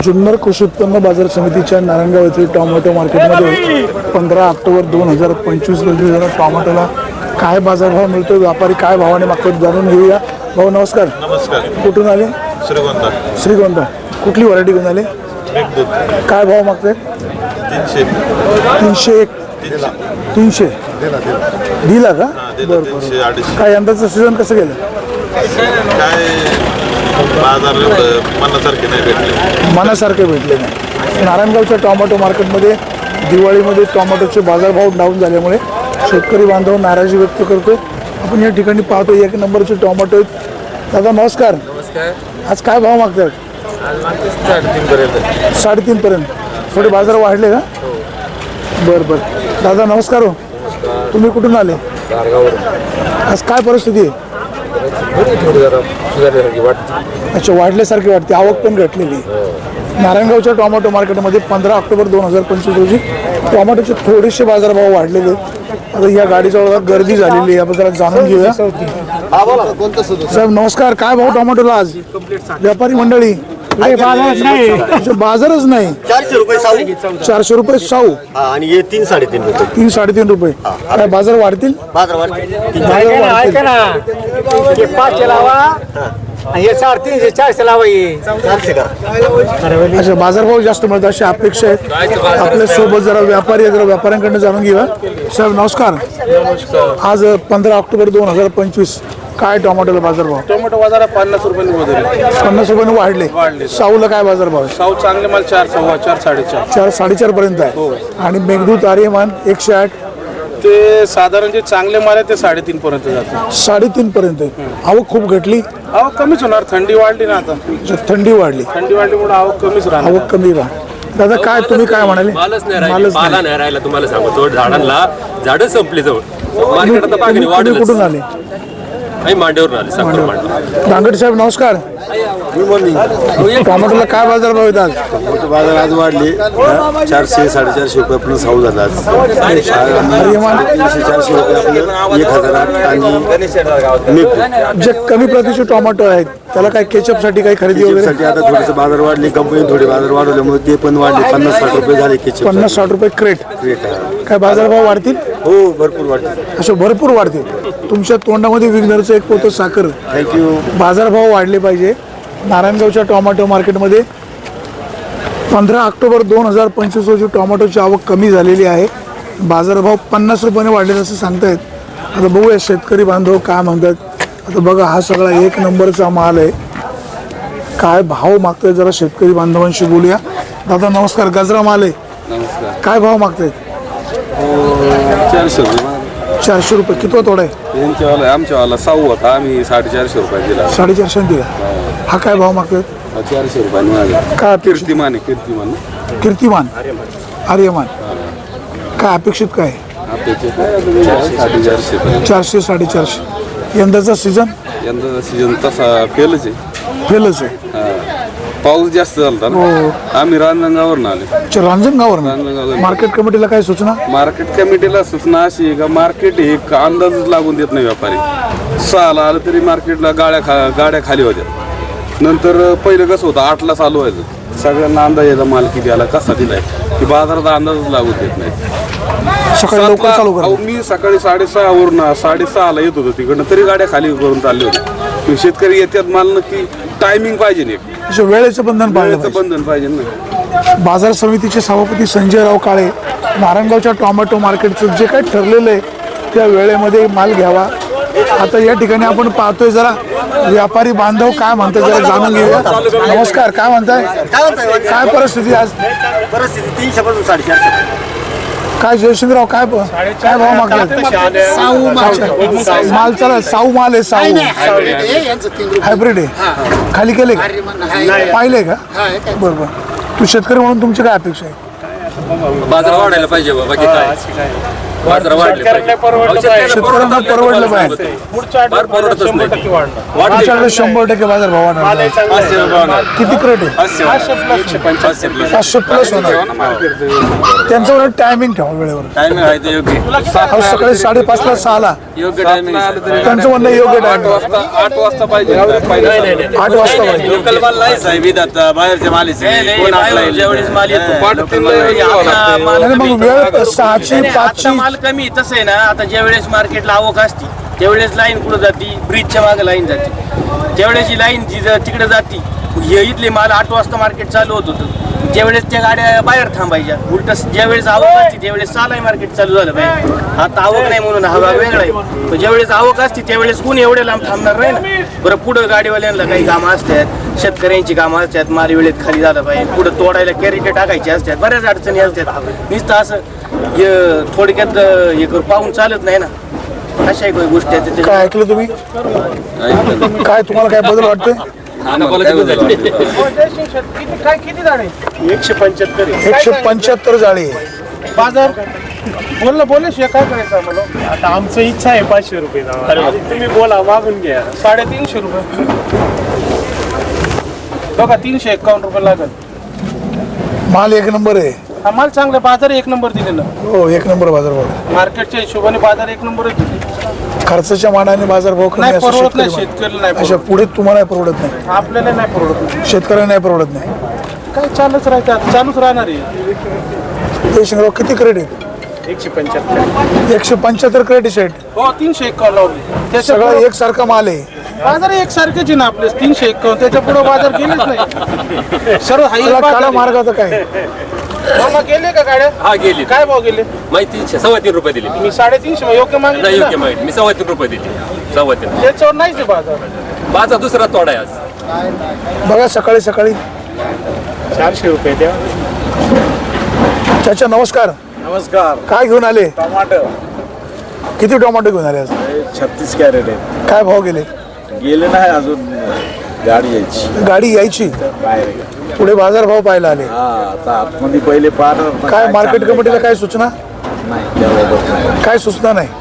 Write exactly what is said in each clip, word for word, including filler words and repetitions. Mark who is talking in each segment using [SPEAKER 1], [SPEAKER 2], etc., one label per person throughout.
[SPEAKER 1] जुन्नर कृषी उत्पन्न बाजार समितीच्या नारायणगाव येथील टोमॅटो मार्केटमध्ये पंधरा ऑक्टोबर दोन हजार पंचवीस रोजी जरा टोमॅटोला काय बाजारभाव मिळतो, व्यापारी काय भावाने मागतात जाणून घेऊया. भाऊ नमस्कार.
[SPEAKER 2] नमस्कार.
[SPEAKER 1] कुठून आले?
[SPEAKER 2] श्रीगोंदा.
[SPEAKER 1] श्रीगोंदा. कुठली व्हरायटी घेऊन आले? काय भाव मागताय?
[SPEAKER 2] तीनशे
[SPEAKER 1] तीनशे एक तीनशे दिला का? बरं
[SPEAKER 2] तीनशे
[SPEAKER 1] बरं.
[SPEAKER 2] अडीचशे.
[SPEAKER 1] काय यंदाचं सीझन कसं गेलं?
[SPEAKER 2] काय बाजार एवढं मनासारखे नाही भेटले.
[SPEAKER 1] मनासारखे भेटले नाही. नारायणगावच्या टोमॅटो मार्केटमध्ये दिवाळीमध्ये टोमॅटोचे बाजारभाव डाऊन झाल्यामुळे शेतकरी बांधव नाराजी व्यक्त करतो. आपण या ठिकाणी पाहतो एक नंबरचे टोमॅटो आहेत. दादा नमस्कार.
[SPEAKER 3] नमस्कार.
[SPEAKER 1] आज काय भाव मागतात?
[SPEAKER 3] साडेतीन पर्यंत.
[SPEAKER 1] साडेतीन पर्यंत. थोडे बाजार वाढले का? बरं बरं. दादा नमस्कार. हो तुम्ही कुठून आले? आज काय परिस्थिती आहे?
[SPEAKER 3] थोडी जरा सुधारल्यासारखी वाटते.
[SPEAKER 1] अच्छा, वाढल्यासारखी वाटते. आवक पण घटलेली. नारायणगावच्या टोमॅटो मार्केटमध्ये पंधरा ऑक्टोबर दोन हजार पंचवीस रोजी टोमॅटोचे थोडेसे बाजारभाव वाढलेले आहेत. आता या गाडीजवळ गर्दी झालेली आहे, आपण जरा जाणून घेऊया. साहेब नमस्कार. काय भाव टोमॅटोला आज? व्यापारी मंडळी बाजारच नाही.
[SPEAKER 4] चारशे रुपये साऊ
[SPEAKER 1] चारशे रुपये साऊ
[SPEAKER 4] आणि हे तीन साडेतीन रुपये
[SPEAKER 1] तीन साडेतीन रुपये. काय बाजार वाढतील?
[SPEAKER 4] बाजार
[SPEAKER 1] बाजार वाढतील.
[SPEAKER 5] पाचशे लावा हे साडेतीनशे चारशे लावा हे
[SPEAKER 4] चारशे का
[SPEAKER 1] अच्छा, बाजारभाव जास्त मिळतात अशी अपेक्षा आहे. आपल्या सोबत जरा व्यापारी आहे, जरा व्यापाऱ्यांकडनं जाणून घेऊया. साहेब नमस्कार. आज पंधरा ऑक्टोबर दोन हजार पंचवीस काय टोमॅटोला बाजारभाव?
[SPEAKER 6] टोमॅटो बाजारात पन्नास रुपयांनी बदलले.
[SPEAKER 1] पन्नास रुपयाने वाढले. साऊला काय बाजारभाव आहे?
[SPEAKER 6] साऊ चांगले माल चार सव्वा चार साडेचार
[SPEAKER 1] चार साडेचार पर्यंत आहे. आणि मेघदूत आर्यमान एकशे आठ
[SPEAKER 6] ते साधारण जे चांगले माल आहे ते साडेतीन पर्यंत जाते.
[SPEAKER 1] साडेतीन पर्यंत आहे. आवक खूप घटली.
[SPEAKER 6] आवक कमीच होणार, थंडी वाढली ना. आता
[SPEAKER 1] थंडी वाढली,
[SPEAKER 6] थंडी वाढल्यामुळे आवक कमीच राहणार.
[SPEAKER 1] आवक कमी राहा. दादा काय तुम्ही काय म्हणाले?
[SPEAKER 3] मालच नाही
[SPEAKER 1] मालच
[SPEAKER 3] राहिला,
[SPEAKER 1] नाही.
[SPEAKER 3] पाला नाही राहिला. तुम्हाला सांगतो झाडांना झाडं संपली जवळ. मार्केट आता पागणी
[SPEAKER 1] तुम्ही
[SPEAKER 3] वाढेल.
[SPEAKER 1] कुठून आले?
[SPEAKER 3] आई मांडीवरून आले. साखर मांडव.
[SPEAKER 1] डांगट साहेब नमस्कार. टोमॅटोला काय बाजारभाव आहेत आज?
[SPEAKER 4] बाजार आज वाढले चारशे साडेचारशे रुपये आपलं साऊ झाला आज.
[SPEAKER 1] आर्यमान
[SPEAKER 4] तीनशे चारशे रुपये आपलं एक हजार आठ आणि मेघदूत.
[SPEAKER 1] जे कमी प्रतीचे टोमॅटो आहेत त्याला काय केचप साठी काही खरेदी वगैरे?
[SPEAKER 4] साठी आता थोडंसं बाजार वाढले, कंपनी थोडे बाजार वाढवल्यामुळे ते पण वाढले. पन्नास साठ रुपये झाले केचप.
[SPEAKER 1] पन्नास साठ रुपये क्रेट.
[SPEAKER 4] रेट आहे.
[SPEAKER 1] काय बाजारभाव वाढतील?
[SPEAKER 4] हो भरपूर वाढले.
[SPEAKER 1] असे भरपूर वाढतील. तुमच्या तोंडामध्ये विघ्नरचं एक पोतं साखर.
[SPEAKER 4] थँक्यू.
[SPEAKER 1] बाजारभाव वाढले पाहिजे. नारायणगावच्या टोमॅटो मार्केटमध्ये पंधरा ऑक्टोबर दोन हजार पंचवीस रोजी टोमॅटोची आवक कमी झालेली आहे. बाजारभाव पन्नास रुपयाने वाढलेले असं सांगतायत. आता बघूया शेतकरी बांधव काय म्हणतात. आता बघा हा सगळा एक नंबरचा माल आहे. काय भाव मागतायत जरा शेतकरी बांधवांशी बोलूया. दादा नमस्कार. गजरा माल आहे.
[SPEAKER 6] नमस्कार.
[SPEAKER 1] काय भाव मागतायत?
[SPEAKER 6] चारशे रुपये.
[SPEAKER 1] चारशे रुपये. कितवा तोडा आहे?
[SPEAKER 6] यांच्यावाला आमच्यावाला साऊ होता, आम्ही साडेचारशे रुपये दिला.
[SPEAKER 1] साडेचारशे दिला. हा काय भाव मागतायत?
[SPEAKER 6] चारशे रुपयांनी माझा.
[SPEAKER 1] काय अपेक्षित?
[SPEAKER 6] कीर्तिमान आहे, कीर्तिमान
[SPEAKER 1] कीर्तिमान आर्यमान. काय अपेक्षित काय?
[SPEAKER 6] साडेचारशे पर्यंत.
[SPEAKER 1] चारशे साडेचारशे. यंदाचा सीझन
[SPEAKER 6] यंदाचा सीझन तसा फेलच आहे.
[SPEAKER 1] फेलच आहे.
[SPEAKER 6] पाऊस जास्त झाला ना. आम्ही रांजणगावरून आले.
[SPEAKER 1] रांजणगावर
[SPEAKER 6] रांजणगाव.
[SPEAKER 1] मार्केट कमिटीला काय सूचना?
[SPEAKER 6] मार्केट कमिटीला सूचना अशी आहे का मार्केट हे एक अंदाजच लागून देत नाही व्यापारी. सहाला आलं तरी मार्केटला गाड्या खा गाड्या खाली होत्या. नंतर पहिलं कसं होतं आठला चालू व्हायचं. सगळ्यांना अंदाज यायचा माल किती आला कसा दिलाय की बाजारात अंदाजच लागून देत नाही.
[SPEAKER 1] सकाळी लवकर
[SPEAKER 6] सातला-
[SPEAKER 1] चालू
[SPEAKER 6] अहो,
[SPEAKER 1] करा.
[SPEAKER 6] मी सकाळी साडेसहा वरून साडेसहाला येत होतो तिकडनं तरी गाड्या खाली करून चालले होते. शेतकरी येतात माल नक्की टायमिंग पाहिजे नाही.
[SPEAKER 1] अशा वेळेचं बंधन पाळलं
[SPEAKER 6] वेळेचं
[SPEAKER 1] पाहिजे.
[SPEAKER 6] बंधन पाहिजे ना.
[SPEAKER 1] बाजार समितीचे सभापती संजयराव काळे नारायणगावच्या टोमॅटो मार्केटचं जे काही ठरलेलं आहे त्या वेळेमध्ये माल घ्यावा. आता या ठिकाणी आपण पाहतोय जरा व्यापारी बांधव काय म्हणतात जरा जाणून घेऊया. नमस्कार. काय म्हणताय? काय परिस्थिती आज?
[SPEAKER 4] परिस्थिती तीनशे पासून साडेचारशे.
[SPEAKER 1] काय जयशिंगराव काय काय भाव मागतात? माल चला साऊ माल आहे. साऊ हायब्रिड आहे. खाली केले का? पाहिले का? बरं बरं. तू शेतकरी म्हणून तुमची काय अपेक्षा आहे?
[SPEAKER 3] बाजार वाढायला पाहिजे बाबा. बाकी काय बाजार वाढले पाहिजे. अहो,
[SPEAKER 1] शेतकऱ्यांना परवडलं पाहिजे.
[SPEAKER 3] फार परवडतच नाही ते. वाढले.
[SPEAKER 1] आमच्याकडे शंभर टक्के बाजार भाव वाढणार. किती क्रेट आहे? पाचशे प्लस होणार. त्यांचं टायमिंग ठेवा वेळेवर.
[SPEAKER 2] टायमिंग आहे ते योग्य
[SPEAKER 1] अहो, सकाळी साडेपाच ला सहाला
[SPEAKER 2] योग्य टायमिंग
[SPEAKER 1] त्यांचं म्हणणं योग्य
[SPEAKER 6] आठ
[SPEAKER 1] टायमिंग
[SPEAKER 6] वाजता आठ वाजता पाहिजे पहिले
[SPEAKER 1] आठ वाजता पाहिजे.
[SPEAKER 2] लोकल माल नाही साहेब इथं आता बाहेरच्या मालीचे कोण आपला जेवढीच माल येतो
[SPEAKER 6] पाठ तीनला यावं लागतं.
[SPEAKER 1] आणि मग वेळ सहाची
[SPEAKER 7] आता
[SPEAKER 1] पाचची
[SPEAKER 7] माल कमी तसं आहे ना. आता ज्या वेळेस मार्केटला आवक असती त्यावेळेस लाईन कुठं जाती, ब्रिजच्या मागे लाईन जाते. त्यावेळेस ही लाईन जी तिकडे जाती, हे इथले माल आठ वाजता मार्केट चालू होत होतं. त्यावेळेस त्या गाड्या बाहेर थांबायच्या. उलट ज्यावेळेस आवक असते त्यावेळेस चालाय मार्केट चालू झालं पाहिजे. आता आवक नाही म्हणून हा भाग वेगळा आहे. पण ज्यावेळेस आवक असते त्यावेळेस कोण एवढे लांब थांबणार नाही ना. बरं पुढं गाडीवाल्यांना काही कामं असतात, शेतकऱ्यांची कामं असतात, माल वेळेत खाली झालं पाहिजे. पुढं तोडायला कॅरेट टाकायचे असतात, बऱ्याच अडचणी असतात. नुसतं असं हे थोडक्यात हे करून पाहून चालत नाही ना. अशा काही गोष्टी आहेत त्याच्या-
[SPEAKER 1] काय ऐकलं तुम्ही? काय तुम्हाला काय बदल वाटतोय?
[SPEAKER 5] काय किती झाडे? एकशे पंच्याहत्तर
[SPEAKER 1] एकशे पंच्याहत्तर जाळी
[SPEAKER 5] बाजार बोललं बोलल्याशिवाय काय करायचं आम्हाला? आता आमचं इच्छा आहे पाचशे रुपये द्यावा. तुम्ही बोला, मागून घ्या. साडेतीनशे रुपये बघा, तीनशे एक्कावन्न रुपये लागेल.
[SPEAKER 1] माल एक नंबर आहे.
[SPEAKER 5] हा माल चांगला, बाजार एक नंबर दिलेला.
[SPEAKER 1] हो, एक नंबर बाजार भाव.
[SPEAKER 5] मार्केटच्या हिशोबाने बाजार एक नंबरच दिले.
[SPEAKER 1] खर्चाच्या मानाने बाजार भाव कमी
[SPEAKER 5] नाही
[SPEAKER 1] असं
[SPEAKER 5] परवडत नाही,
[SPEAKER 1] शेतकरी
[SPEAKER 5] शेतकऱ्याला
[SPEAKER 1] म्हणतात.
[SPEAKER 5] नाही
[SPEAKER 1] अशा
[SPEAKER 5] परवडत.
[SPEAKER 1] पुढे तुम्हाला नाही परवडत नाही,
[SPEAKER 5] आपल्याला नाही परवडत नाही.
[SPEAKER 1] शेतकऱ्यांना नाही परवडत नाही.
[SPEAKER 5] काय चालूच राहतात, चालूच राहणार आहे.
[SPEAKER 1] ते शिंगराव किती क्रेट आहे?
[SPEAKER 5] एकशे पंच्याहत्तर
[SPEAKER 1] एकशे पंच्याहत्तर क्रेट आहे शेट.
[SPEAKER 5] हो, तीनशे एक्कावन्न लावली. त्याच्या
[SPEAKER 1] सगळा
[SPEAKER 5] पुढं
[SPEAKER 1] एकसारखा माल आहे.
[SPEAKER 5] बाजार एकसारखेच आहे ना आपले. तीनशे एक्कावन्न त्याच्या पुढे बाजार गेलेच नाही. सर्व हाई
[SPEAKER 1] त्याला काळा
[SPEAKER 5] बाजार
[SPEAKER 1] मार्ग आता काय?
[SPEAKER 5] आहे. मामा गेले का गाड्या?
[SPEAKER 3] हा गेली.
[SPEAKER 5] काय भाव गेले?
[SPEAKER 3] माहिती तीनशे सव्वा तीन रुपये दिली.
[SPEAKER 5] मी साडेतीनशे मग योग्य
[SPEAKER 3] नाही
[SPEAKER 5] मागितलं
[SPEAKER 3] योग्य
[SPEAKER 5] ना.
[SPEAKER 3] माहिती मी सव्वा तीन रुपये दिली. सव्वा तीन.
[SPEAKER 5] त्याच्यावर नाहीच आहे बाजार.
[SPEAKER 3] माझा दुसरा तोडा आहे आज.
[SPEAKER 1] बघा सकाळी सकाळी.
[SPEAKER 5] चारशे रुपये द्या.
[SPEAKER 1] चाचा नमस्कार.
[SPEAKER 4] नमस्कार.
[SPEAKER 1] काय घेऊन आले?
[SPEAKER 4] टमाटर
[SPEAKER 1] किती टोमॅटो घेऊन आले आज?
[SPEAKER 4] छत्तीस कॅरेट आहे.
[SPEAKER 1] काय भाव गेले?
[SPEAKER 4] गेले नाही अजून, गाडी यायची
[SPEAKER 1] गाडी यायची,
[SPEAKER 4] बाहेर.
[SPEAKER 1] पुढे बाजार भाव पाहायला आले.
[SPEAKER 4] हा, आता आतमध्ये पहिले पाहणार.
[SPEAKER 1] काय मार्केट कमिटीला काय सूचना?
[SPEAKER 4] नाही, त्याबाबत नाही.
[SPEAKER 1] काय सूचना नाही,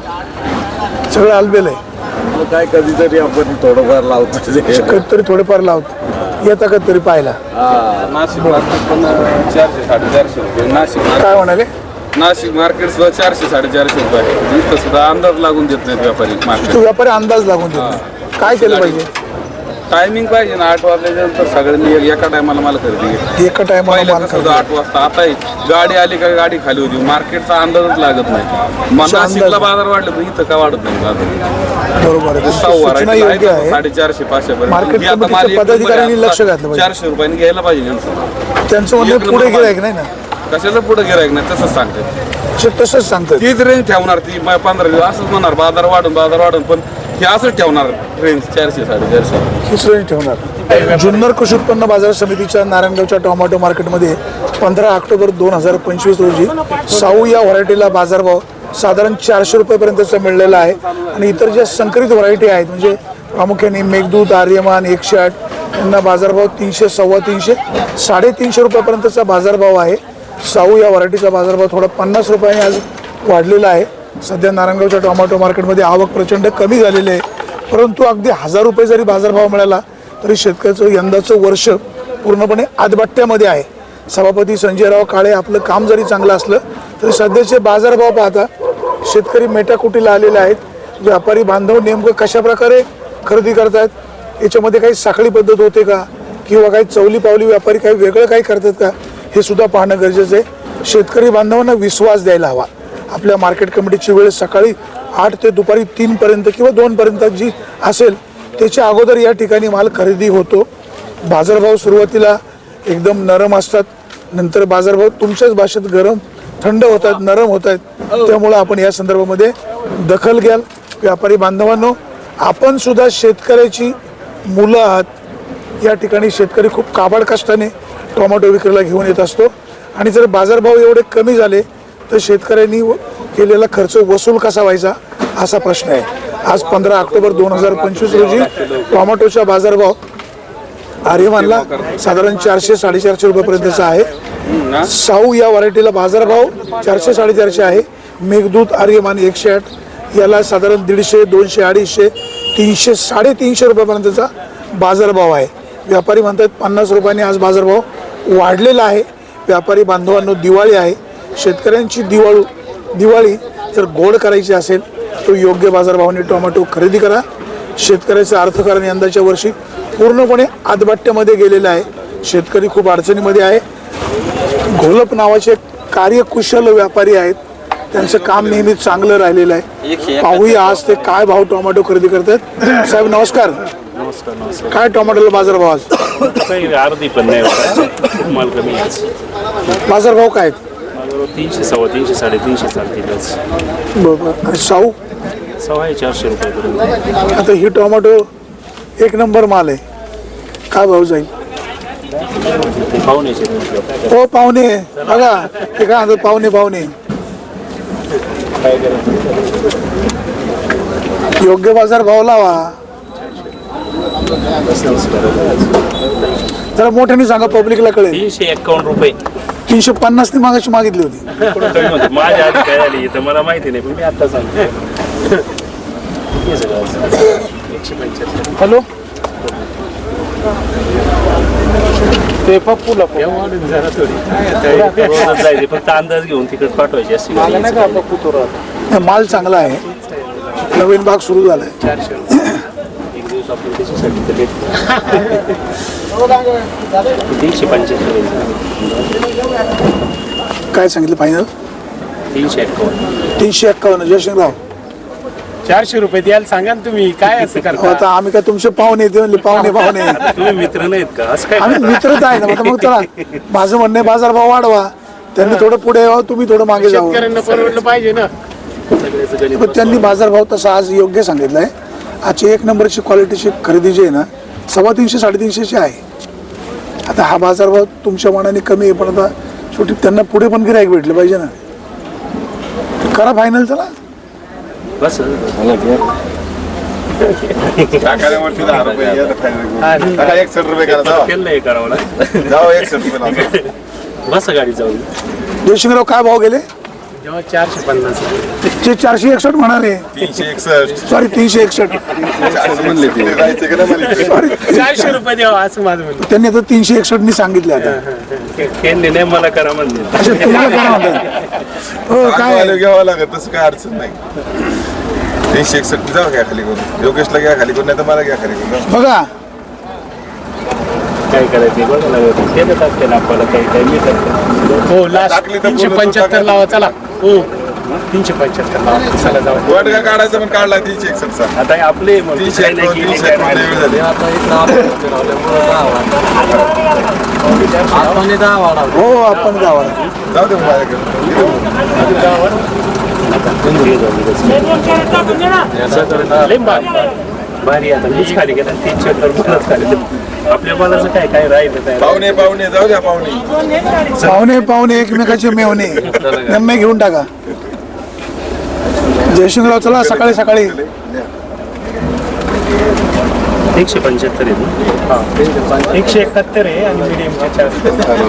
[SPEAKER 1] सगळं आलबेल आहे.
[SPEAKER 4] मग काय कधीतरी आपण थोडंफार लावतो.
[SPEAKER 1] कधीतरी थोडेफार लावतो, येता कधीतरी पाहायला.
[SPEAKER 6] नाशिक मार्केट पण चारशे साडेचारशे रुपये. नाशिक
[SPEAKER 1] काय म्हणाले?
[SPEAKER 6] नाशिक मार्केट सुद्धा चारशे साडेचारशे रुपये आहे. इथं सुद्धा अंदाज लागून देत नाहीत व्यापारी मार्केट.
[SPEAKER 1] तो व्यापारी अंदाज लागून देत नाही. काय केलं पाहिजे?
[SPEAKER 6] टायमिंग पाहिजे ना. आठ वाजल्यानंतर सगळ्यांनी एक- एका टायमाला मला खरेदी घ्या.
[SPEAKER 1] एका टायमाला
[SPEAKER 6] पहिलं
[SPEAKER 1] माल
[SPEAKER 6] कसं होतं, आठ वाजता. आता ही गाडी आली का गाडी खाली होती. मार्केटचा अंदाजच लागत नाही. मग
[SPEAKER 1] अच्छा,
[SPEAKER 6] नाशिकला
[SPEAKER 1] अंदाज.
[SPEAKER 6] बाजार वाढले तर इथं का वाढत नाही बाजार?
[SPEAKER 1] बरोबर आहे.
[SPEAKER 6] सहा
[SPEAKER 1] सूचना
[SPEAKER 6] variety
[SPEAKER 1] योग्य
[SPEAKER 6] आहेत,
[SPEAKER 1] आहे.
[SPEAKER 6] साडेचारशे पाचशे पर्यंत.
[SPEAKER 1] मार्केट
[SPEAKER 6] ही आता
[SPEAKER 1] कमिटीच्या
[SPEAKER 6] माल एक
[SPEAKER 1] पदाधिकाऱ्यांनी
[SPEAKER 6] नंबर आहे.
[SPEAKER 1] लक्ष घातलं पाहिजे.
[SPEAKER 6] चारशे रुपयांनी घ्यायला पाहिजे यांचं.
[SPEAKER 1] त्यांचं म्हणणं
[SPEAKER 6] एक
[SPEAKER 1] पुढे
[SPEAKER 6] नंबर
[SPEAKER 1] गिरायक नाही ना,
[SPEAKER 6] कशाला पुढे गिरायक नाही तसंच सांगतात.
[SPEAKER 1] ते तसंच सांगतात.
[SPEAKER 6] तीच रेंज ठेवणार ती म- पंधरा दिवस असंच म्हणणार बाजार वाढून बाजार वाढून, पण हे असंच ठेवणार रेंज चारशे साडेचारशे.
[SPEAKER 1] तिसरं ठेवणार. जुन्नर कृषी उत्पन्न बाजार समितीच्या नारायणगावच्या टोमॅटो मार्केटमध्ये पंधरा ऑक्टोबर दोन हजार पंचवीस रोजी साऊ या व्हरायटीला बाजारभाव साधारण चारशे रुपयेपर्यंतचा मिळलेला आहे. आणि इतर ज्या संकरित व्हरायटी आहेत म्हणजे प्रामुख्याने मेघदूत, आर्यमान, एकशे आठ यांना बाजारभाव तीनशे सव्वा तीनशे साडेतीनशे रुपयापर्यंतचा बाजारभाव आहे. साऊ या व्हरायटीचा बाजारभाव थोडा पन्नास रुपयाने आज वाढलेला आहे. सध्या नारायणगावच्या टोमॅटो मार्केटमध्ये आवक प्रचंड कमी झालेली आहे. परंतु अगदी हजार रुपये जरी बाजारभाव मिळाला तरी शेतकऱ्याचं यंदाचं वर्ष पूर्णपणे आदबट्ट्यामध्ये आहे. सभापती संजयराव काळे आपलं काम जरी चांगलं असलं तरी सध्याचे बाजारभाव पाहता शेतकरी मेटाकुटीला आलेले आहेत. व्यापारी बांधव नेमकं कशाप्रकारे खरेदी करतात, याच्यामध्ये काही साखळी पद्धत होते का किंवा काही चवली पावली व्यापारी काही वेगळं काही करतात का, हे सुद्धा पाहणं गरजेचं आहे. शेतकरी बांधवांना विश्वास द्यायला हवा. आपल्या मार्केट कमिटीची वेळ सकाळी आठ ते दुपारी तीनपर्यंत किंवा दोनपर्यंत जी असेल त्याच्या अगोदर या ठिकाणी माल खरेदी होतो. बाजारभाव सुरुवातीला एकदम नरम असतात, नंतर बाजारभाव तुमच्याच भाषेत गरम थंड होतात, नरम होत आहेत. त्यामुळं आपण या संदर्भामध्ये दखल घ्याल. व्यापारी बांधवांनो, आपण सुद्धा शेतकऱ्याची मुलं आहात. या ठिकाणी शेतकरी खूप काबाड कष्टाने टोमॅटो विक्रीला घेऊन येत असतो. आणि जर बाजारभाव एवढे कमी झाले तर शेतकऱ्यांनी केलेला खर्च वसूल कसा व्हायचा असा प्रश्न आहे. आज पंधरा ऑक्टोबर दोन हजार पंचवीस रोजी टोमॅटोचा बाजारभाव आर्यमानला साधारण चारशे साडेचारशे रुपयेपर्यंतचा आहे. साऊ या व्हरायटीला बाजारभाव चारशे साडेचारशे आहे. मेघदूत आर्यमान एकशे आठ याला साधारण दीडशे दोनशे अडीचशे तीनशे साडेतीनशे रुपयापर्यंतचा बाजारभाव आहे. व्यापारी म्हणतात पन्नास रुपयांनी आज बाजारभाव वाढलेला आहे. व्यापारी बांधवांनो, दिवाळी आहे. शेतकऱ्यांची दिवाळू दिवाळी जर गोड करायची असेल तर योग्य बाजारभावाने टोमॅटो खरेदी करा. शेतकऱ्याचं अर्थकारण यंदाच्या वर्षी पूर्णपणे आदबाट्यामध्ये गेलेलं आहे. शेतकरी खूप अडचणीमध्ये आहे. घोलप नावाचे कार्यकुशल व्यापारी आहेत, त्यांचं काम नेहमी चांगलं राहिलेलं आहे. पाहूया आज ते काय भाव टोमॅटो खरेदी करतात. साहेब नमस्कार.
[SPEAKER 8] नमस्कार नमस्कार.
[SPEAKER 1] काय टोमॅटोला बाजारभाव आज?
[SPEAKER 8] काही अर्धी पण नाही होता, माल कमी आहे.
[SPEAKER 1] बाजारभाव काय आहेत?
[SPEAKER 8] माझं तीनशे सव्वा तीनशे साडेतीनशे चालतीलच.
[SPEAKER 1] बरोबर. आणि साऊ
[SPEAKER 8] सव्वा आहे चारशे रुपयापर्यंत.
[SPEAKER 1] आता ही टोमॅटो एक नंबर माल आहे, काय भाव जाईल?
[SPEAKER 8] ते पाहुण्याचे म्हटलं.
[SPEAKER 1] हो पाहुणे बघा ते काय म्हणतात, पाहुणे पाहुणे
[SPEAKER 8] काय करायचं?
[SPEAKER 1] योग्य बाजार भाव लावा. जरा मोठ्याने सांगा, पब्लिकला कळेल.
[SPEAKER 8] तीनशे एक्कावन्न रुपये.
[SPEAKER 1] तीनशे पन्नास नी मागाशी मागितली होती.
[SPEAKER 8] कुठं कमी होतं? माझ्या आधी काय झाली तर मला माहिती नाही, पण मी आता सांगतो. हे सगळं एकशे पंच्याहत्तर.
[SPEAKER 5] हॅलो, ते पप्पूला
[SPEAKER 8] वाढून जरा थोडी रोजच जायचे, फक्त अंदाज घेऊन तिकडे पाठवायची असते.
[SPEAKER 5] नाही का पप्पू तो राहतो.
[SPEAKER 1] माल चांगला आहे, नवीन भाग सुरू झालाय.
[SPEAKER 8] चारशे एक दिवस आपण त्याच्यासाठी तर तीनशे पंच्याहत्तर.
[SPEAKER 1] काय सांगितलं फायनल?
[SPEAKER 8] तीनशे एक्कावन्न.
[SPEAKER 1] तीनशे एक्कावन्न. जयसिंगराव
[SPEAKER 5] चारशे रुपये द्यायला सांगा ना तुम्ही, काय असं
[SPEAKER 1] अहो,
[SPEAKER 5] करता?
[SPEAKER 1] आता आम्ही काय तुमचे पाहुणे ते म्हणले पाहुणे पाहुणे
[SPEAKER 8] तुम्ही मित्र नाहीत का? असं काय
[SPEAKER 1] आम्ही मित्रच आहे ना. आता मग चला, माझं म्हणणं आहे बाजारभाव वाढवा. त्यांनी थोडं पुढे यावं, तुम्ही थोडं मागे जावं.
[SPEAKER 5] शेतकऱ्यांना परवडलं पाहिजे ना.
[SPEAKER 8] सगळ्याचं गणित
[SPEAKER 1] पण त्यांनी बाजारभाव तसा आज योग्य सांगितला आहे. आजची एक नंबरची क्वालिटीची खरेदी जी आहे ना, सव्वा तीनशे साडेतीनशेची आहे. आता हा बाजारभाव तुमच्या मनाने कमी आहे, पण आता शेवटी त्यांना पुढे पण गिराईक भेटले पाहिजे ना. करा फायनल. चला
[SPEAKER 8] बस
[SPEAKER 4] टाकाल्यावरती दहा रुपये टाका, एकसष्ट रुपये करा. जावा.
[SPEAKER 8] केलं नाही करावं लागतं.
[SPEAKER 4] जावा, एकसष्ट रुपये लावा.
[SPEAKER 8] बस गाडी जाऊन.
[SPEAKER 1] जयशिंगराव काय भाव गेले?
[SPEAKER 5] जेव्हा चारशे पन्नास
[SPEAKER 1] ते चारशे एकसष्ट म्हणाले.
[SPEAKER 4] तीनशे एकसष्ट
[SPEAKER 1] सॉरी तीनशे एकसष्ट
[SPEAKER 4] म्हणले ते जायचं का नाही मला?
[SPEAKER 1] सॉरी.
[SPEAKER 5] चारशे रुपये द्यावा असं माझं म्हणणं.
[SPEAKER 1] त्यांनी आता तीनशे एकसष्ट नी सांगितले. आता
[SPEAKER 8] केले नाही मला करा म्हणले.
[SPEAKER 1] अच्छा, तुम्हाला काय म्हणतात? हो काय
[SPEAKER 4] आलं घ्यावं लागत, तसं काय अडचण नाही. तीनशे एकसष्ट जाऊ घ्या खाली करून, योगेशला घ्या खाली करून, नाही तर मला घ्या खाली करून.
[SPEAKER 1] बघा
[SPEAKER 8] काय करायचं बघा लागत. ते देतात त्याला आपल्याला काही काही मिळतात.
[SPEAKER 5] हो, लास्ट
[SPEAKER 4] टाकली तर
[SPEAKER 5] तीनशे
[SPEAKER 4] बोलू,
[SPEAKER 5] पंच्याहत्तर
[SPEAKER 4] टाकायचं.
[SPEAKER 5] लावा. चला हो, तीनशे पंच्याहत्तर लावा. चला जाऊ.
[SPEAKER 4] वाट काय काढायचं पण काढला तीनशे एकसष्टचा.
[SPEAKER 8] आता हे आपले मग
[SPEAKER 4] तीनशे
[SPEAKER 8] काही नाही
[SPEAKER 4] एकावन्न,
[SPEAKER 8] केली,
[SPEAKER 4] तीनशे
[SPEAKER 8] काय
[SPEAKER 4] एकावन्न
[SPEAKER 8] नाही.
[SPEAKER 4] वेळ झाली.
[SPEAKER 1] हो आपण गावाला
[SPEAKER 4] जाऊ दे माझ्याकडे.
[SPEAKER 8] लय भारी. भारी आता मीच खाली गेला तीनशे तर मलाच खाली. आपल्या बालाचं काय काय राहिलं काय
[SPEAKER 4] पाहुणे पाहुणे जाऊ द्या पाहुणे.
[SPEAKER 1] पाहुणे पाहुणे एकमेकाचे मेवणे नम्मे घेऊन टाका. जयशिंगराव चला सकाळी सकाळी.
[SPEAKER 8] एकशे पंच्याहत्तर आहे.
[SPEAKER 5] एकशे एकाहत्तर आहे आणि मिडियमचे चारशे.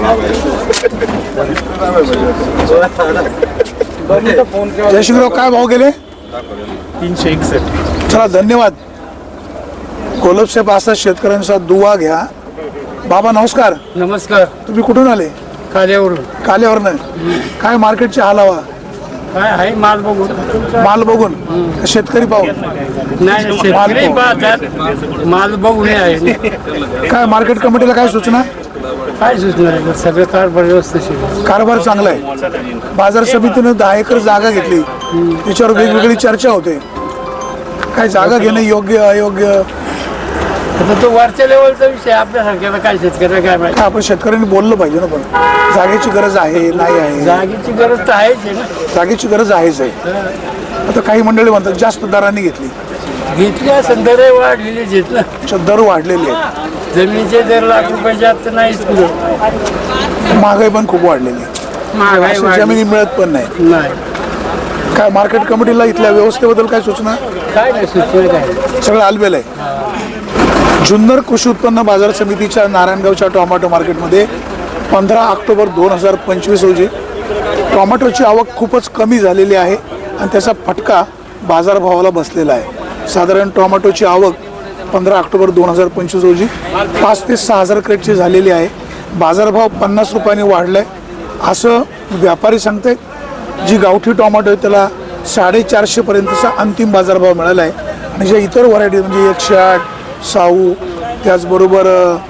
[SPEAKER 1] जयशिंगराव काय भाव गेले?
[SPEAKER 5] तीनशे एकसष्ट.
[SPEAKER 1] चला धन्यवाद. कोलपसाहेब असा शेतकऱ्यांचा दुवा घ्या. बाबा नमस्कार.
[SPEAKER 5] नमस्कार.
[SPEAKER 1] तुम्ही कुठून आले?
[SPEAKER 5] काल्यावरून.
[SPEAKER 1] काल्यावरनं. काय मार्केटची हालावा?
[SPEAKER 5] काय आहे माल बघून.
[SPEAKER 1] माल बघून शेतकरी पाहून?
[SPEAKER 5] नाही शेतकरी पाहतात, माल बघून आहे.
[SPEAKER 1] काय मार्केट कमिटीला काय सूचना?
[SPEAKER 5] काय सुचणार, सगळं कारभार व्यवस्थित.
[SPEAKER 1] कारभार चांगला आहे. बाजार समितीनं दहा एकर जागा घेतली, त्याच्यावर वेगवेगळी चर्चा होते. काय जागा घेणं योग्य अयोग्य?
[SPEAKER 5] आता तो वरच्या लेवलचा विषय, आपल्यासारख्याला काय शेतकऱ्याला काय माहिती.
[SPEAKER 1] आपण शेतकऱ्यांनी बोललं पाहिजे ना. पण जागेची गरज आहे नाही आहे?
[SPEAKER 5] जागेची गरज तर आहेच आहे ना.
[SPEAKER 1] जागेची गरज आहेच आहे. आता काही मंडळी म्हणतात जास्त दराने घेतली.
[SPEAKER 5] घेतल्या दर वाढलेलीच आहेत ना.
[SPEAKER 1] अच्छा, दर वाढलेले आहेत.
[SPEAKER 5] जमिनीचे दर लाख रुपयाच्या आत तर नाहीच पुढं.
[SPEAKER 1] महागाई पण खूप वाढलेली आहे.
[SPEAKER 5] महागाई
[SPEAKER 1] अशी
[SPEAKER 5] वाढली.
[SPEAKER 1] जमिनी मिळत पण नाही.
[SPEAKER 5] नाही.
[SPEAKER 1] काय मार्केट कमिटीला इथल्या व्यवस्थेबद्दल काय सूचना?
[SPEAKER 5] काय नाही सुचलं काय.
[SPEAKER 1] सगळं आलबेल आहे. जुन्नर कृषी उत्पन्न बाजार समितीच्या नारायणगावच्या टोमॅटो मार्केटमध्ये पंधरा ऑक्टोबर दोन हजार पंचवीस रोजी टोमॅटोची आवक खूपच कमी झालेली आहे आणि त्याचा फटका बाजारभावाला बसलेला आहे. साधारण टोमॅटोची आवक पंधरा ऑक्टोबर दोन हजार पंचवीस रोजी पाच ते सहा हजार क्रेटची झालेली आहे. बाजारभाव पन्नास रुपयांनी वाढला आहे असं व्यापारी सांगतायत. जी गावठी टोमॅटो आहे त्याला साडेचारशेपर्यंतचा अंतिम बाजारभाव मिळाला आहे आणि ज्या इतर व्हरायटी म्हणजे एकशे आठ साऊ त्याचबरोबर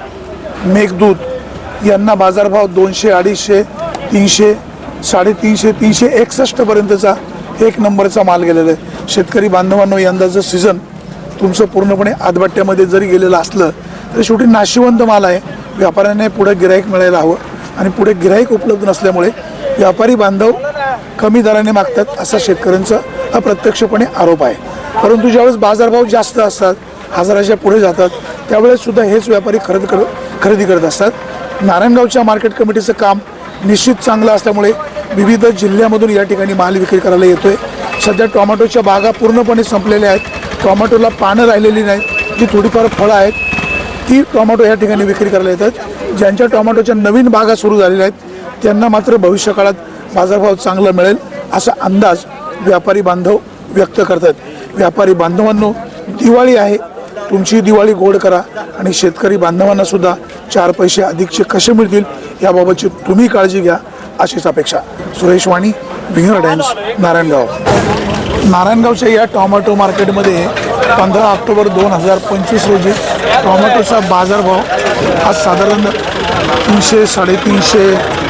[SPEAKER 1] मेघदूत यांना बाजारभाव दोनशे अडीचशे तीनशे साडेतीनशे तीनशे एकसष्टपर्यंतचा एक नंबरचा माल गेलेला आहे. शेतकरी बांधवांनो, यंदाचं सीझन तुमचं पूर्णपणे आदबट्ट्यामध्ये जरी गेलेलं असलं तरी शेवटी नाशिवंत माल आहे. व्यापाऱ्यांना पुढे गिराईक मिळायला हवं आणि पुढे गिराईक उपलब्ध नसल्यामुळे व्यापारी बांधव कमी दराने मागतात असा शेतकऱ्यांचा अप्रत्यक्षपणे आरोप आहे. परंतु ज्यावेळेस बाजारभाव जास्त असतात, हजाराच्या पुढे जातात, त्यावेळेस सुद्धा हेच व्यापारी खरेदी कर खरेदी करत असतात. नारायणगावच्या मार्केट कमिटीचं काम निश्चित चांगलं असल्यामुळे विविध जिल्ह्यामधून या ठिकाणी माल विक्री करायला येतो आहे. सध्या टोमॅटोच्या बागा पूर्णपणे संपलेल्या आहेत. टोमॅटोला पानं राहिलेली नाहीत. जी थोडीफार फळं आहेत ती टोमॅटो या ठिकाणी विक्री करायला येतात. ज्यांच्या टोमॅटोच्या नवीन बागा सुरू झालेल्या आहेत त्यांना मात्र भविष्यकाळात बाजारभाव चांगला मिळेल असा अंदाज व्यापारी बांधव व्यक्त करतात. व्यापारी बांधवांनो, दिवाळी आहे, तुमची दिवाळी गोड करा आणि शेतकरी बांधवांना सुद्धा चार पैसे अधिकचे कसे मिळतील याबाबतची तुम्ही काळजी घ्या अशीच अपेक्षा. सुरेश वाणी, विंगर टाइम्स, नारायणगाव. नारायणगावच्या या टोमॅटो मार्केटमध्ये पंधरा ऑक्टोबर दोन हजार पंचवीस रोजी टोमॅटोचा बाजारभाव आज साधारण तीनशे साडेतीनशे.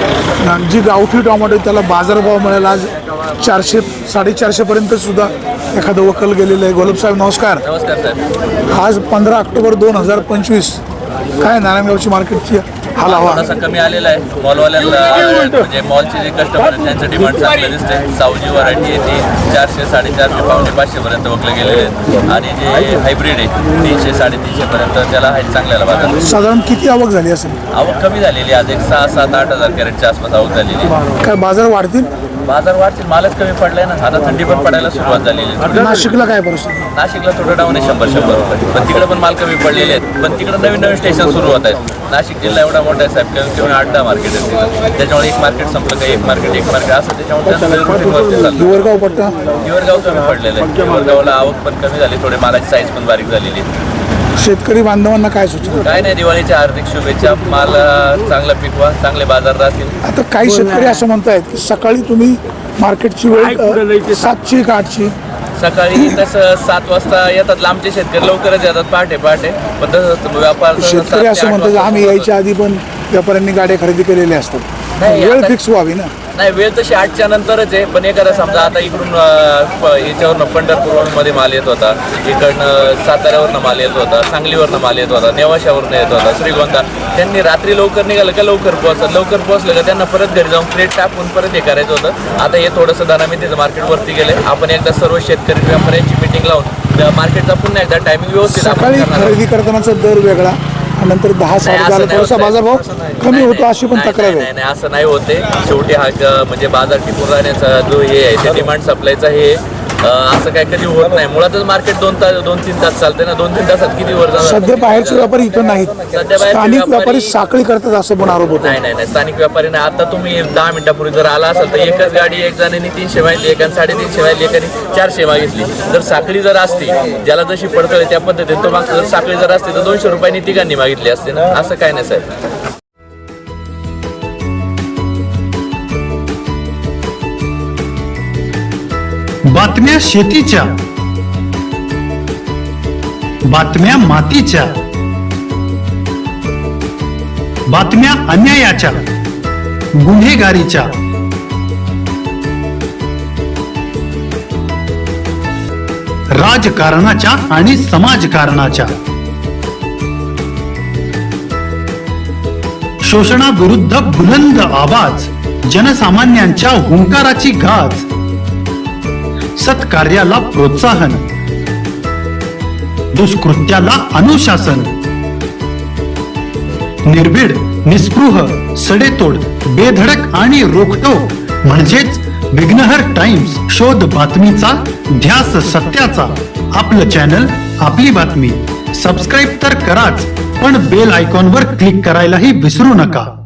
[SPEAKER 1] जी गावठी टोमॅटो त्याला बाजारभाव मिळाला आज चारशे साडेचारशेपर्यंत सुद्धा एखादं वकल गेलेलं आहे. गोलब साहेब नमस्कार.
[SPEAKER 3] नमस्कार साहेब.
[SPEAKER 1] आज पंधरा ऑक्टोबर दोन हजार पंचवीस काय नारायणगावची मार्केटची हाल हवा?
[SPEAKER 3] थोडासा कमी आलेला आहे. मॉलवाल्यांना म्हणजे मॉलचे जे कस्टमर आहेत त्यांचं डिमांड चांगलं दिसते. सावजी व्हरायटी आहे ती चारशे साडेचारशे पावणे पाचशेपर्यंत वकले गेलेले आहेत आणि जे हायब्रिड आहे तीनशे साडेतीनशेपर्यंत त्याला हाईट चांगल्याला बाजार.
[SPEAKER 1] साधारण किती आवक झाली असेल?
[SPEAKER 3] आवक कमी झालेली आज एक सहा सात आठ हजार कॅरेटच्या आसपास आवक झालेली आहे.
[SPEAKER 1] काय बाजार वाढतील?
[SPEAKER 3] बाजार वाढतील, मालच कमी पडलाय ना. आता थंडी पण पडायला सुरुवात झालेली आहे.
[SPEAKER 1] नाशिकला काय परिस्थिती?
[SPEAKER 3] नाशिकला थोडं डाऊन आहे शंभर शंभर रुपये, पण तिकडे पण माल कमी पडलेले आहेत. पण तिकडे नवीन नवीन स्टेशन सुरू होत आहेत. नाशिक जिल्हा एवढा मोठा आहे साहेब, किंवा आठ दहा मार्केट आहेत तिथं. त्याच्यामुळे एक मार्केट संपलं का एक मार्केट एक मार्केट असं त्याच्यामुळे
[SPEAKER 1] हिवरगाव पट्टा
[SPEAKER 3] हिवरगाव कमी पडलेलं आहे. हिवरगावला आवक पण कमी झाली, थोडे मालाची साईज पण बारीक झालेली आहे.
[SPEAKER 1] शेतकरी बांधवांना काय सूचना?
[SPEAKER 3] काय नाही, दिवाळीच्या हार्दिक शुभेच्छा. माल चांगला पिकवा, चांगले बाजार राहतील.
[SPEAKER 1] आता काही शेतकरी असं म्हणतायत की सकाळी तुम्ही मार्केटची वेळ सातची का आठची?
[SPEAKER 3] सकाळी तसं सात वाजता येतात लांबचे शेतकरी, लवकरच येतात पहाटे पहाटे. पण तसं व्यापार
[SPEAKER 1] शेतकरी असं म्हणतात आम्ही यायच्या आधी पण व्यापाऱ्यांनी गाड्या खरेदी केलेल्या असतात.
[SPEAKER 3] नाही,
[SPEAKER 1] वेळ
[SPEAKER 3] आता-
[SPEAKER 1] फिक्स व्हावी ना.
[SPEAKER 3] नाही, वेळ तशी आठच्या नंतरच आहे. पण एखादा समजा आता इकडून याच्यावरनं पंढरपूरमध्ये माल येत होता, इकडनं साताऱ्यावरनं माल येत होता, सांगलीवरनं माल येत होता, नेवाशावरनं येत होता, श्रीगोंदा. त्यांनी रात्री लवकर निघालं का लवकर पोहोचत, लवकर पोहोचलं का त्यांना परत घरी जाऊन प्लेट टाकून परत हे करायचं होतं. आता हे थोडंसं धनामितीचं मार्केटवरती गेले. आपण एकदा सर्व शेतकरी व्यापाऱ्यांची मिटिंग लावून मार्केटचा पुन्हा एकदा टायमिंग व्यवस्थित आपण
[SPEAKER 1] सकाळी
[SPEAKER 3] करणार आहोत.
[SPEAKER 1] खरेदी करतानाचा दर वेगळा आणि नंतर दहा साडे
[SPEAKER 3] नाही,
[SPEAKER 1] दहाला
[SPEAKER 3] असं नाही
[SPEAKER 1] थोडासा
[SPEAKER 3] होत.
[SPEAKER 1] बाजारभाव
[SPEAKER 3] नाही,
[SPEAKER 1] कमी
[SPEAKER 3] नाही,
[SPEAKER 1] होतो अशी पण
[SPEAKER 3] नाही,
[SPEAKER 1] तक्रार
[SPEAKER 3] नाही,
[SPEAKER 1] आहे.
[SPEAKER 3] नाही, असं नाही होते. शेवटी हा क- म्हणजे बाजार टिकून राहण्याचा जो हे आहे ते डिमांड सप्लायचा हे अं, असं काय कधी होत नाही. मुळातच मार्केट दोन तास दोन तीन तास चालते ना. दोन तीन तासात किती वर जाणार?
[SPEAKER 1] सध्या बाहेरचे व्यापारी इथं नाहीत.
[SPEAKER 3] सध्या बाहेरचे
[SPEAKER 1] स्थानिक व्यापारी
[SPEAKER 3] व्यापारी
[SPEAKER 1] साखळी करतात असं पण आरोप होतो.
[SPEAKER 3] नाही नाही नाही स्थानिक व्यापारी नाही. आता तुम्ही दहा मिनिटापूर्वी जर आला असाल तर एकच गाडी एक जणांनी तीनशे माहिती, एकाने साडेतीनशे माहिती, एकाने चारशे मागितली. जर साखळी जर असती, ज्याला जशी पडतळ त्या पद्धतीने तो मागचा, जर साखळी जर असती तर दोनशे रुपयांनी तिघांनी मागितली असते ना. असं काय नाही साहेब.
[SPEAKER 9] बातम्या शेतीच्या, बातम्या मातीच्या, बातम्या अन्यायाच्या, गुन्हेगारीच्या, राजकारणाच्या आणि समाजकारणाच्या, शोषणाविरुद्ध बुलंद आवाज, जनसामान्यांच्या हुंकाराची गाज, सत्कार्याला प्रोत्साहन, दुष्कृत्याला अनुशासन, निर्भीड, निस्पृह, सडेतोड, बेधडक आणि रोखटोक म्हणजेच विघ्नहर टाइम्स. शोध बातमीचा, ध्यास सत्याचा. आपलं चॅनल, आपली बातमी. सबस्क्राईब तर कराच, पण बेल आयकॉनवर क्लिक करायलाही विसरू नका.